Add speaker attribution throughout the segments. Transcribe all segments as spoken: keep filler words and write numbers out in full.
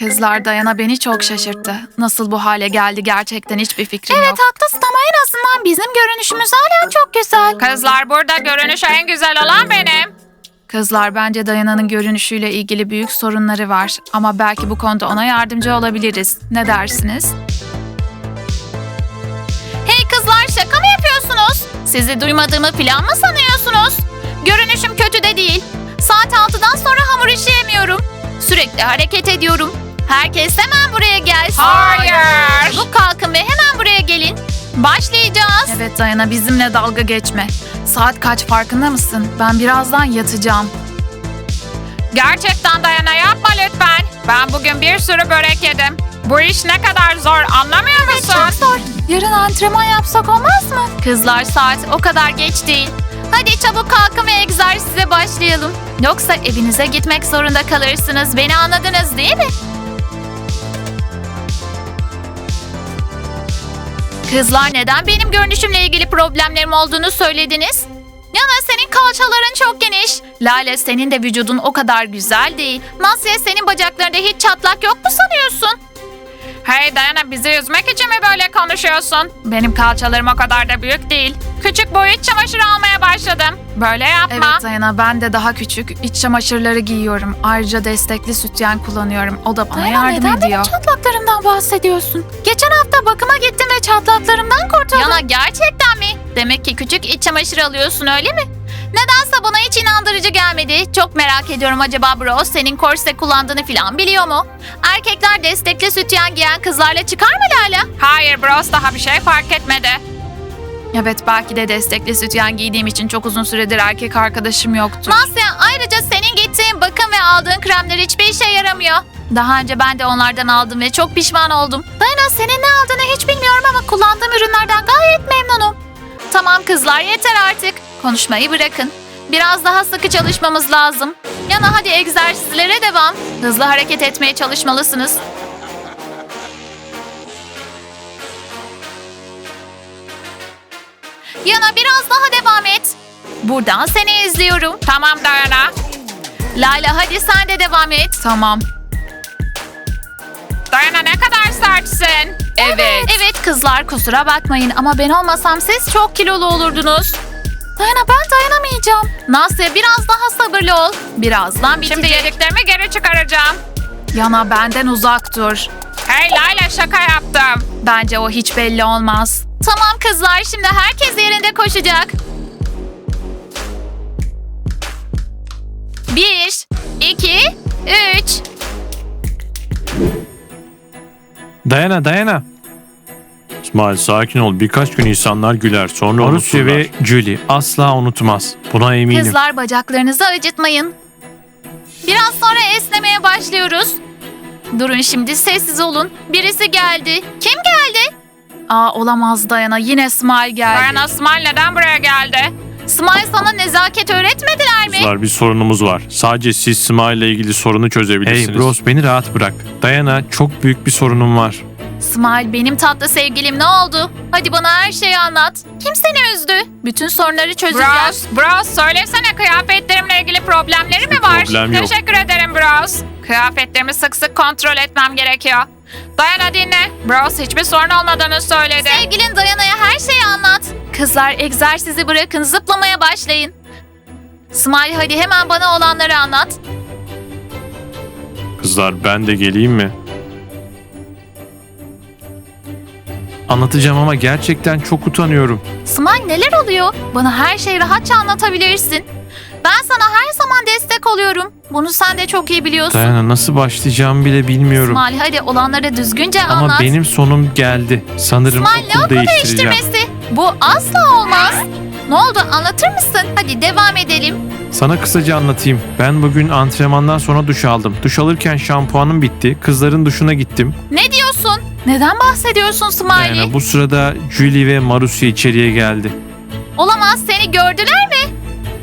Speaker 1: Kızlar, Dayana beni çok şaşırttı. Nasıl bu hale geldi gerçekten hiçbir fikrim
Speaker 2: Evet
Speaker 1: yok.
Speaker 2: haklısın ama en azından bizim görünüşümüz hala çok güzel.
Speaker 3: Kızlar, burada görünüşü en güzel olan benim.
Speaker 1: Kızlar, bence Dayana'nın görünüşüyle ilgili büyük sorunları var. Ama belki bu konuda ona yardımcı olabiliriz. Ne dersiniz?
Speaker 2: Hey kızlar, şaka mı yapıyorsunuz? Sizi duymadığımı falan mı sanıyorsunuz? Görünüşüm kötü de değil. Saat altıdan sonra hamur işi yemiyorum. Sürekli hareket ediyorum. Herkes hemen buraya gelsin.
Speaker 3: Hayır.
Speaker 2: Bu kalkın ve hemen buraya gelin. Başlayacağız.
Speaker 1: Evet Dayana, bizimle dalga geçme. Saat kaç farkında mısın? Ben birazdan yatacağım.
Speaker 3: Gerçekten Dayana, yapma lütfen. Ben bugün bir sürü börek yedim. Bu iş ne kadar zor, anlamıyor musun?
Speaker 2: Çok zor.
Speaker 1: Yarın antrenman yapsak olmaz mı?
Speaker 2: Kızlar, saat o kadar geç değil. Hadi çabuk kalkın ve egzersize başlayalım. Yoksa evinize gitmek zorunda kalırsınız. Beni anladınız değil mi? Kızlar, neden benim görünüşümle ilgili problemlerim olduğunu söylediniz? Yana, senin kalçaların çok geniş. Lale, senin de vücudun o kadar güzel değil. Nasya, senin bacaklarında hiç çatlak yok mu sanıyorsun?
Speaker 3: Hey Dayana, bizi üzmek için mi böyle konuşuyorsun? Benim kalçalarım o kadar da büyük değil. Küçük boy iç çamaşırı almaya başladım. Böyle yapma.
Speaker 1: Evet Dayana, ben de daha küçük iç çamaşırları giyiyorum. Ayrıca destekli sütyen kullanıyorum. O da bana
Speaker 2: Dayana,
Speaker 1: yardım
Speaker 2: neden
Speaker 1: ediyor.
Speaker 2: benim çatlaklarımdan bahsediyorsun? Geçen hafta bakıma gittim ve çatlaklarımdan kurtuldum. Yana, gerçekten mi? Demek ki küçük iç çamaşırı alıyorsun, öyle mi? Nedense bana hiç inandırıcı gelmedi. Çok merak ediyorum, acaba bro senin korse kullandığını falan biliyor mu? Erkekler destekli sütyen giyen kızlarla çıkar mı Lala?
Speaker 3: Hayır Bros, daha bir şey fark etmedi.
Speaker 1: Evet, belki de destekli sütyen giydiğim için çok uzun süredir erkek arkadaşım yoktu.
Speaker 2: Nasya, ayrıca senin gittiğin bakım ve aldığın kremler hiçbir işe yaramıyor. Daha önce ben de onlardan aldım ve çok pişman oldum. Dayana, senin ne aldığını hiç bilmiyorum ama kullandığım ürünlerden gayet memnunum. Tamam kızlar, yeter artık. Konuşmayı bırakın. Biraz daha sıkı çalışmamız lazım. Yana, hadi egzersizlere devam. Hızlı hareket etmeye çalışmalısınız. Yana, biraz daha devam et. Buradan seni izliyorum.
Speaker 3: Tamam Dayana.
Speaker 2: Layla, hadi sen de devam et.
Speaker 1: Tamam.
Speaker 3: Dayana, ne kadar sertsin.
Speaker 2: Evet. Evet kızlar, kusura bakmayın ama ben olmasam siz çok kilolu olurdunuz. Dayana, ben dayanamayacağım. Nasya, biraz daha sabırlı ol. Birazdan bitecek.
Speaker 3: Şimdi yediklerimi geri çıkaracağım.
Speaker 1: Yana, benden uzak dur.
Speaker 3: Hey Layla, şaka yaptım.
Speaker 1: Bence o hiç belli olmaz.
Speaker 2: Tamam kızlar, şimdi herkes yerinde koşacak. Bir, iki, üç.
Speaker 4: Dayana dayana. İsmail sakin ol. Birkaç gün insanlar güler. Sonra Marusya
Speaker 3: unuturlar.
Speaker 4: ve Julie asla unutmaz. Buna eminim.
Speaker 2: Kızlar, bacaklarınızı acıtmayın. Biraz sonra esnemeye başlıyoruz. Durun şimdi, sessiz olun. Birisi geldi. Kim geldi?
Speaker 1: Aa, olamaz Dayana, yine Smile geldi.
Speaker 3: Dayana, Smile neden buraya geldi?
Speaker 2: Smile, sana nezaket öğretmediler mi?
Speaker 4: Kızlar, bir sorunumuz var. Sadece siz Smile ile ilgili sorunu çözebilirsiniz. Hey Bros, beni rahat bırak. Dayana, çok büyük bir sorunum var.
Speaker 2: Smile, benim tatlı sevgilim, ne oldu? Hadi bana her şeyi anlat. Kim seni üzdü? Bütün sorunları çözeceğiz.
Speaker 3: Bros, Bros söylesene, kıyafetlerimle ilgili problemleri mi var?
Speaker 4: problem yok.
Speaker 3: Teşekkür ederim Bros. Kıyafetlerimi sık sık kontrol etmem gerekiyor. Dayana dinle. Bros hiçbir sorun olmadığını söyledi.
Speaker 2: Sevgilin Dayana'ya her şeyi anlat. Kızlar, egzersizi bırakın, zıplamaya başlayın. Smile, hadi hemen bana olanları anlat.
Speaker 4: Kızlar, ben de geleyim mi? Anlatacağım ama gerçekten çok utanıyorum.
Speaker 2: Smile, neler oluyor? Bana her şeyi rahatça anlatabilirsin. Ben sana her zaman destek oluyorum. Bunu sen de çok iyi biliyorsun.
Speaker 4: Dayana, nasıl başlayacağımı bile bilmiyorum.
Speaker 2: Smile, hadi olanları düzgünce
Speaker 4: Ama
Speaker 2: anlat.
Speaker 4: benim sonum geldi. Sanırım
Speaker 2: Smile, ne
Speaker 4: okul
Speaker 2: okul
Speaker 4: değiştireceğim.
Speaker 2: değiştirmesi? Bu asla olmaz. Ne oldu, anlatır mısın? Hadi devam edelim.
Speaker 4: Sana kısaca anlatayım. Ben bugün antrenmandan sonra duş aldım. Duş alırken şampuanım bitti. Kızların duşuna gittim.
Speaker 2: Ne diyorsun? Neden bahsediyorsun Smiley?
Speaker 4: Yani bu sırada Julie ve Marusya içeriye geldi.
Speaker 2: Olamaz, seni gördüler mi?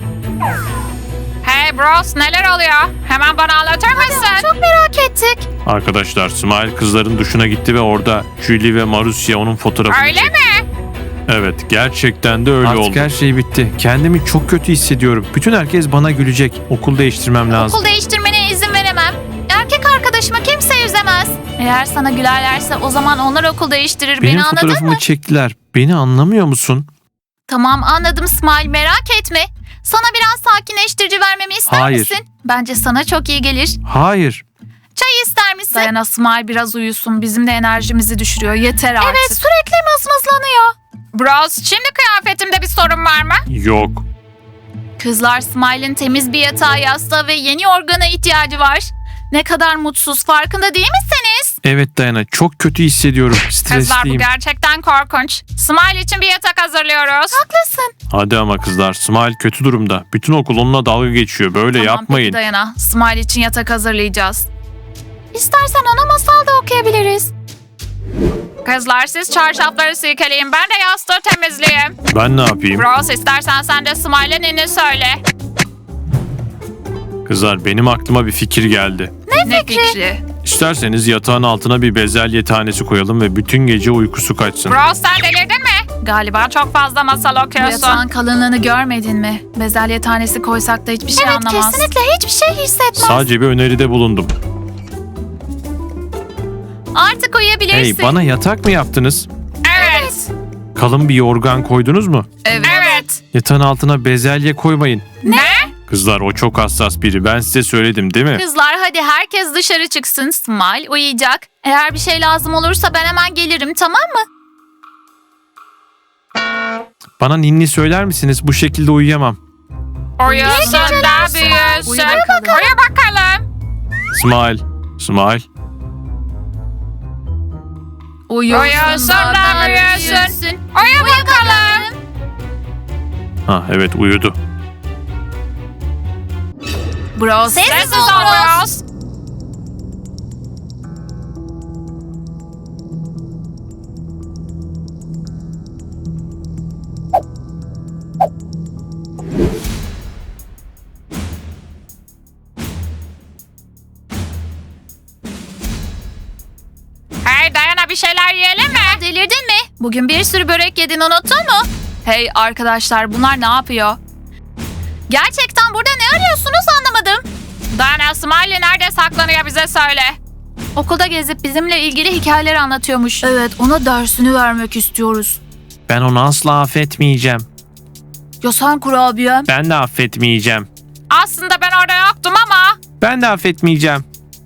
Speaker 3: Hey Bros, neler oluyor? Hemen bana anlatır mısın?
Speaker 2: Çok merak ettik.
Speaker 4: Arkadaşlar, Smile kızların duşuna gitti ve orada Julie ve Marusya onun fotoğrafını
Speaker 3: Öyle
Speaker 4: çekti.
Speaker 3: mi?
Speaker 4: Evet, gerçekten de öyle
Speaker 5: Artık
Speaker 4: oldu.
Speaker 5: her şey bitti. Kendimi çok kötü hissediyorum. Bütün herkes bana gülecek. Okul değiştirmem lazım.
Speaker 2: Okul değiştirmene izin veremem. Erkek arkadaşıma kimse üzemez. Eğer sana gülerlerse o zaman onlar okul değiştirir.
Speaker 5: Benim
Speaker 2: Beni anladın
Speaker 5: fotoğrafımı
Speaker 2: mı?
Speaker 5: çektiler. Beni anlamıyor musun?
Speaker 2: Tamam anladım Smile, merak etme. Sana biraz sakinleştirici vermemi ister
Speaker 5: Hayır.
Speaker 2: misin? Bence sana çok iyi gelir.
Speaker 5: Hayır.
Speaker 2: Çay ister misin?
Speaker 1: Dayana, Smile biraz uyusun. Bizim de enerjimizi düşürüyor. Yeter artık.
Speaker 2: Evet, sürekli mızmızlanıyor.
Speaker 3: Bros, şimdi kıyafetimde bir sorun var mı?
Speaker 4: Yok.
Speaker 2: Kızlar, Smile'in temiz bir yatağı, yastığı ve yeni yorgana ihtiyacı var. Ne kadar mutsuz, farkında değil misiniz?
Speaker 5: Evet Dayana, çok kötü hissediyorum.
Speaker 3: Kızlar, bu
Speaker 5: Stresliyim.
Speaker 3: gerçekten korkunç. Smile için bir yatak hazırlıyoruz.
Speaker 2: Haklısın.
Speaker 4: Hadi ama kızlar, Smile kötü durumda. Bütün okul onunla dalga geçiyor. Böyle
Speaker 1: Tamam,
Speaker 4: yapmayın.
Speaker 1: peki Dayana. Smile için yatak hazırlayacağız.
Speaker 2: İstersen ona masal da okuyabiliriz.
Speaker 3: Kızlar, siz çarşafları silkeleyin, ben de yastığı temizleyeyim.
Speaker 4: Ben ne yapayım?
Speaker 3: Bros, istersen sen de Smile'e ninni söyle.
Speaker 4: Kızlar, benim aklıma bir fikir geldi.
Speaker 1: Ne fikri?
Speaker 4: İsterseniz yatağın altına bir bezelye tanesi koyalım ve bütün gece uykusu kaçsın.
Speaker 3: Bros, sen delirdin mi? Galiba çok fazla masal
Speaker 1: Bu
Speaker 3: okuyorsun.
Speaker 1: yatağın kalınlığını görmedin mi? Bezelye tanesi koysak da hiçbir şey
Speaker 2: Evet,
Speaker 1: anlamaz.
Speaker 2: kesinlikle hiçbir şey hissetmez.
Speaker 4: Sadece bir öneride bulundum.
Speaker 2: Artık uyuyabilirsin.
Speaker 5: Hey, bana yatak mı yaptınız?
Speaker 3: Evet.
Speaker 5: Kalın bir yorgan koydunuz mu?
Speaker 1: Evet.
Speaker 3: Evet.
Speaker 5: Yatağın altına bezelye koymayın.
Speaker 3: Ne?
Speaker 4: Kızlar, o çok hassas biri. Ben size söyledim değil mi?
Speaker 2: Kızlar, hadi herkes dışarı çıksın. Smile uyuyacak. Eğer bir şey lazım olursa ben hemen gelirim, tamam mı?
Speaker 5: Bana ninni söyler misiniz? Bu şekilde uyuyamam.
Speaker 3: Uyusun da büyüsün.
Speaker 1: Uyu bakalım.
Speaker 3: Uyu bakalım.
Speaker 4: Smile. Smile.
Speaker 3: Uyusun da büyüsün. Uyu bakalım.
Speaker 4: Ha evet, uyudu.
Speaker 1: Bros.
Speaker 2: Sessiz
Speaker 3: Sessiz
Speaker 2: ol
Speaker 3: ol
Speaker 2: Bros.
Speaker 3: Bros. Hey Dayana, bir şeyler yiyelim mi?
Speaker 2: Delirdin mi? Bugün bir sürü börek yedin, unuttun mu?
Speaker 1: Hey arkadaşlar, bunlar ne yapıyor?
Speaker 2: Gerçekten burada ne arıyorsunuz anlamadım.
Speaker 3: Dayana, Smiley nerede saklanıyor, bize söyle.
Speaker 1: Okulda gezip bizimle ilgili hikayeler anlatıyormuş. Evet, ona dersini vermek istiyoruz.
Speaker 5: Ben onu asla affetmeyeceğim.
Speaker 1: Ya sen kurabiyem?
Speaker 5: Ben de affetmeyeceğim.
Speaker 3: Aslında ben orada yoktum ama.
Speaker 5: Ben de affetmeyeceğim.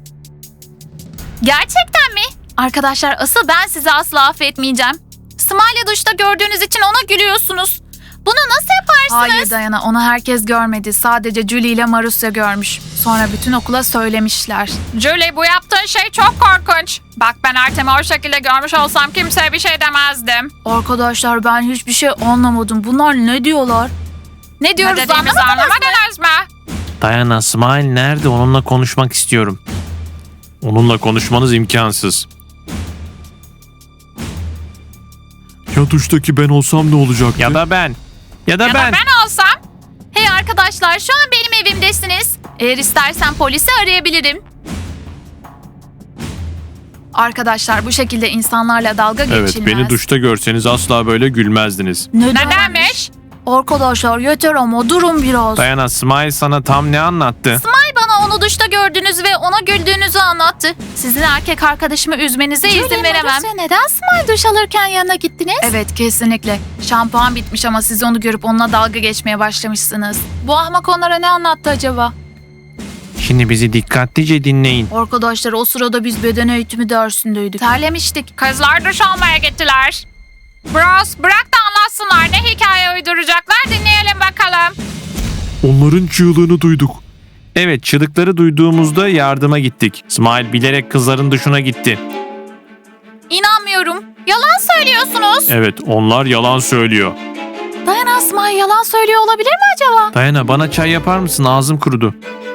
Speaker 2: Gerçekten mi? Arkadaşlar, asıl ben sizi asla affetmeyeceğim. Smile'ı duşta gördüğünüz için ona gülüyorsunuz. Bunu nasıl yaparsınız?
Speaker 1: Hayır Dayana, onu herkes görmedi. Sadece Julie ile Marusya görmüş. Sonra bütün okula söylemişler.
Speaker 3: Julie, bu yaptığın şey çok korkunç. Bak, ben Artem'i o şekilde görmüş olsam kimseye bir şey demezdim.
Speaker 1: Arkadaşlar, ben hiçbir şey anlamadım. Bunlar ne diyorlar?
Speaker 2: Ne
Speaker 3: Ne
Speaker 2: diyoruz
Speaker 3: dediğimizi
Speaker 2: anlamadınız mı?
Speaker 3: anlamadınız mı?
Speaker 5: Dayana, Smile nerede? Onunla konuşmak istiyorum.
Speaker 4: Onunla konuşmanız imkansız.
Speaker 5: Ya duştaki ben olsam ne olacak? Ya da ben. Ya da
Speaker 3: Ya
Speaker 5: ben.
Speaker 3: da ben olsam.
Speaker 2: Hey arkadaşlar, şu an benim evimdesiniz. Eğer istersen polisi arayabilirim.
Speaker 1: Arkadaşlar, bu şekilde insanlarla dalga geçilmez.
Speaker 4: Evet, beni duşta görseniz asla böyle gülmezdiniz.
Speaker 3: Nedenmiş?
Speaker 1: Arkadaşlar yeter ama durun biraz.
Speaker 5: Dayana, Smile sana tam ne anlattı?
Speaker 2: Smile bana onu duşta gördüğünüzü ve ona güldüğünüzü anlattı. Sizin erkek arkadaşımı üzmenize izin veremem. Neden Smile duş alırken yanına gittiniz?
Speaker 1: Evet, kesinlikle. Şampuan bitmiş ama siz onu görüp onunla dalga geçmeye başlamışsınız. Bu ahmak onlara ne anlattı acaba?
Speaker 5: Şimdi bizi dikkatlice dinleyin.
Speaker 1: Arkadaşlar, o sırada biz beden eğitimi dersindeydik. Terlemiştik.
Speaker 3: Kızlar duş almaya gittiler. Bros, bırak da anlatsınlar. Ne hikaye uyduracaklar, dinleyelim bakalım.
Speaker 5: Onların çığlığını duyduk. Evet, çığlıkları duyduğumuzda yardıma gittik. Smile bilerek kızların duşuna gitti.
Speaker 2: İnanmıyorum. Yalan söylüyorsunuz.
Speaker 4: Evet, onlar yalan söylüyor.
Speaker 2: Dayana, Smile yalan söylüyor olabilir mi acaba?
Speaker 5: Dayana, bana çay yapar mısın? Ağzım kurudu.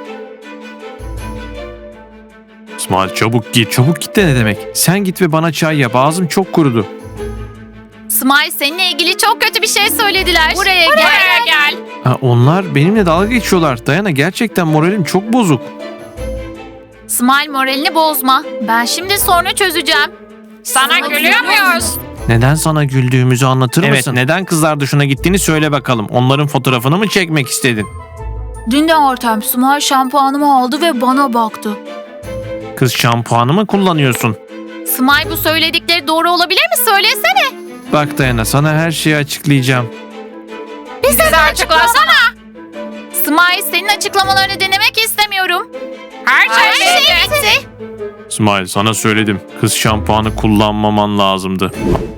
Speaker 4: Smile, çabuk git.
Speaker 5: Çabuk git de ne demek? Sen git ve bana çay yap. Ağzım çok kurudu.
Speaker 2: Smile, seninle ilgili çok kötü bir şey söylediler. Buraya,
Speaker 3: Buraya gel.
Speaker 5: Ha, onlar benimle dalga geçiyorlar. Dayana, gerçekten moralim çok bozuk.
Speaker 2: Smile, moralini bozma. Ben şimdi sorunu çözeceğim.
Speaker 3: Sana gülüyor muyuz?
Speaker 5: Neden sana güldüğümüzü anlatır mısın? Evet, neden kızlar duşuna gittiğini söyle bakalım. Onların fotoğrafını mı çekmek istedin?
Speaker 1: Dün de Artem Smile şampuanımı aldı ve bana baktı.
Speaker 5: Kız, şampuanı mı kullanıyorsun?
Speaker 2: Smile, bu söyledikleri doğru olabilir mi? Söylesene.
Speaker 5: Bak Dayana, sana her şeyi açıklayacağım.
Speaker 3: Bize açıklasana.
Speaker 2: Smile, senin açıklamalarını dinlemek istemiyorum.
Speaker 3: Her
Speaker 2: Her
Speaker 3: şey
Speaker 2: şey
Speaker 3: bitti.
Speaker 2: bitti.
Speaker 5: İsmail, sana söyledim. Kız şampuanı kullanmaman lazımdı.